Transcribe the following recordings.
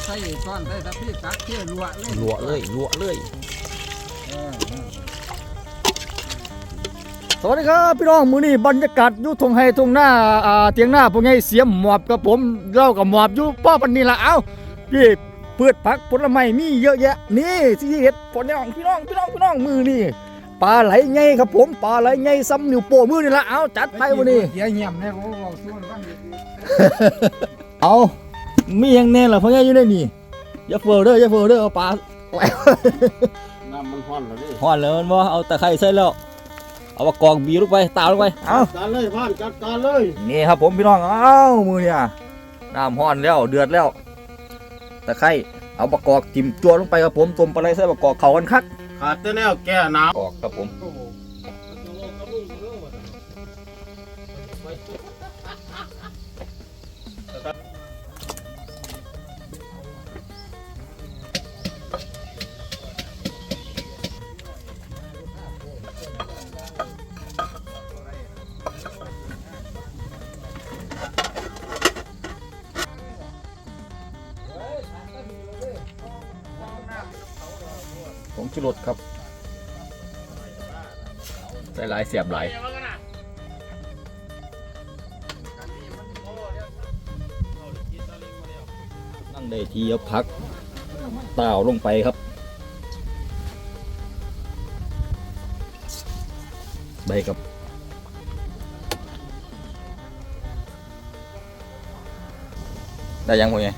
ส่ซ้อนใส่ตะพี่ตักเที่ยวรัวเลยรัวเลยสวัสดีครับพี่น้องมื้อนี้บรรยากาศอยู่ทงไห้ทงหน้าเตียงหน้าพวกไงเสียมหมอบกับผมเล่ากับหมอบอยู่ป้อปันนี้ละเอ้าพี่พืชผักผลไม้มีเยอะแยะนี่สิเฮ็ดผลน้องพี่น้องมือนี่ปลาไหลไงครับผมปลาไหลไงซ้ำนิ้วโป้มือนี่ละเอ้าจัดไปวันนี้เดี๋ยวเงียบเนี่ยโอ้โหส่วนบ้างเอามีอย่างแน่ล่ะพวกไงอยู่ในนี่อย่าเฟอเด้อเอาปลาไหลน้ำมันฮ้อนแล้วดิห่อนเลยมันบ่เอาตะไคร้ใส่แล้วเอามากองบีลงไปตาลงไปเอาจัดเลยพ่านจัดการเลยนี่ครับผมพี่น้องเอามือเนี่ยน้ำห่อนแล้วเดือดแล้วตะไคร้เอามากอกจิ้มจั่วลงไปครับผมต้มปลาไหลใส่มากอกเข้ากันคักขาดแต่แนวแก้หนาวกอกครับผมผงชูรสครับใส่หลายเสียบหลายนั่งได้ทีเอาพักเต่าลงไปครับใบกับได้ยังพวกนี้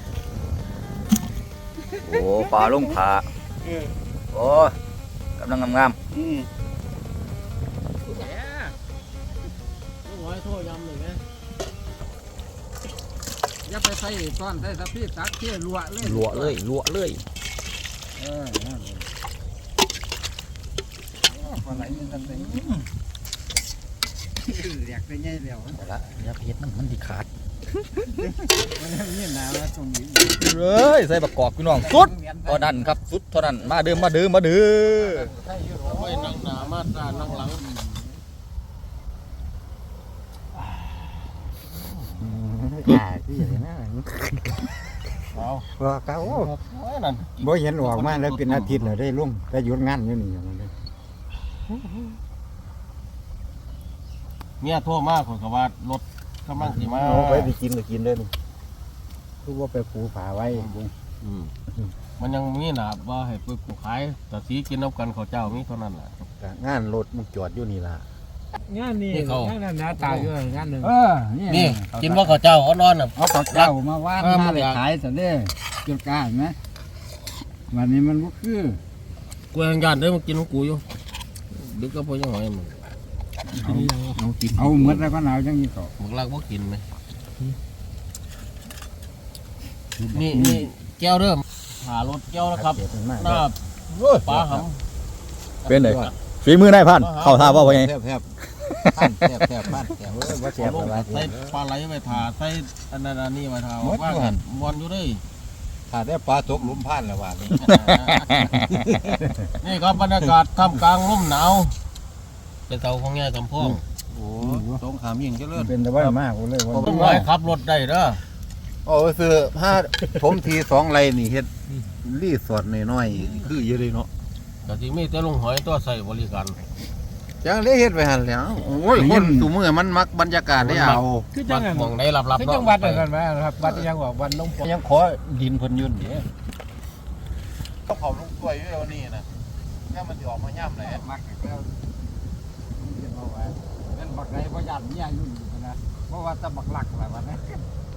โอ้ปลาลงผาโอ้กำลังงามอย่าไปใส่ซ้อนใส่ตะพี่ตักเที่ยวรัวเลยรัวเลยอะไรนี่ตั้งแต่เรียกได้ไงเดียวเอาละอย่าเผ็ดมันที่ขาดมันนี่หนาวแล้วตรงนี้เลยใส่บักกอกพี่น้องสุดเท่านั้นครับสุดเท่านั้นมาเด้อไม่นั่งหนามาตานั่งหลังที่อย่างนั้นเอาว่าเขาบ่เห็นออกมาแล้วเป็นอาทิตย์แล้วได้ลุ่มได้หยุดงานอยู่นี่อย่างนั้นเลยเมียโทรมาคนก็ว่ารถกำลังสิมาเอาไปกินก็กินได้นี่คือว่าไปปูผาไว้มันยังมีหนาว่าให้ไปปลูกขายแต่สีกินน้ำกันเขาเจ้ามีเท่านั้นแหละงานรถมันจอดอยู่นี่ล่ะงานนี่งานนั้นนะตายอยู่งานหนึ่งนี่กินว่าเขาเจ้าเขานอนน่ะเอาข้าวเจ้ามาว่ามาไปขายซะเด้จุดกล้าเห็นไหมวันนี้มันบ่คือกูยังยันได้มากินของกูอยู่ดึกก็พอยังหอยมึงเอาหมดแล้วก็หนาวจังนี้ก็มึงรักว่ากินไหมนี่แก้วเริ่มหารถแก้วแล้วครับหน้าปลาหำเป็นเลยฝีมือได้พันเข้าท่าว่าไงแทบพันแทบว่าแทบใส่ปลาไหลไปถ่าใส่อันนั้นอันนี้ไปถ่าว่าบอลอยู่ด้วยถ้าได้ปลาตกหลุมพันแล้วว่านี่นี่ก็บรรยากาศท่ามกลางลมหนาวเป็นเตาของแง่กำพองโอ้สงครามยิ่งเจริญเป็นแต่ว่ามากเลยว่าต้องไว้ขับรถได้เด้อโอ้ซื้อผ้าผมที2 ไรนี่เฮ็ดรีสอร์ทน้อยๆคืออยู่เลยเนาะแต่ที่มีแต่ลงหอยตัวใส่บริการจังเลยเฮ็ดไปหั่นแหล้วโอ้ยคนสู่มื้อมันมักบรรยากาศได้เอาคือจังมองได้รับคือจังวัดเหมือนกันไหมครับวัดยังว่าวันลงยังขอดินเพิ่นยุ่นนี่เขาลงกล้วยอยู่แล้วนี่นะแค่มันสิออกมาย่ำเลยมักแล้วเอาไว้เป็นบักไหนบ่ยันเนี่ยยุ่นนะเพราะว่าตะบักหลักอะไรวะนะ